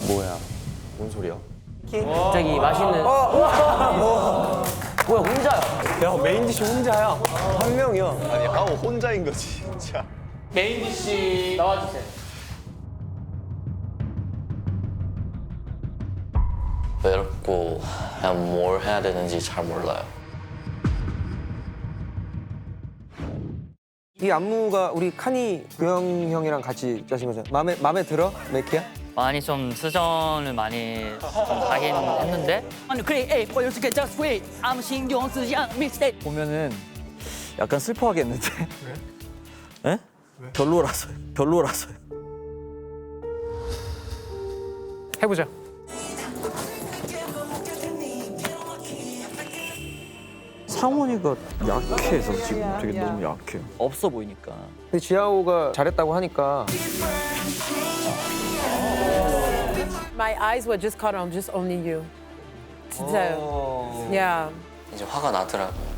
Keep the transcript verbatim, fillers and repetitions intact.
뭐야? 뭔 소리야? 갑자기 맛있는. 뭐야 혼자야? 야 메인 디시 혼자야. 한 명이야. 아니 하오 혼자인 거지 진짜. 메인 디시 나와주세요. 외롭고 그냥 뭘 해야 되는지 잘 몰라요. 이 안무가 우리 카니 교영 형이랑 같이 짜신 거잖아. 마음에 마음에 들어, 메키야? 많이 좀 수정을 많이 좀 하긴 했는데 보면은 약간 슬퍼하겠는데. 왜? 에? 별로라서요. 별로라서요. 해보자. 상원이가 약해서 지금 되게 너무 약해요. 없어 보이니까. 근데 지아오가 잘했다고 하니까 My eyes were just caught on just only you. 진짜요. Yeah. 이제 화가 나더라고요.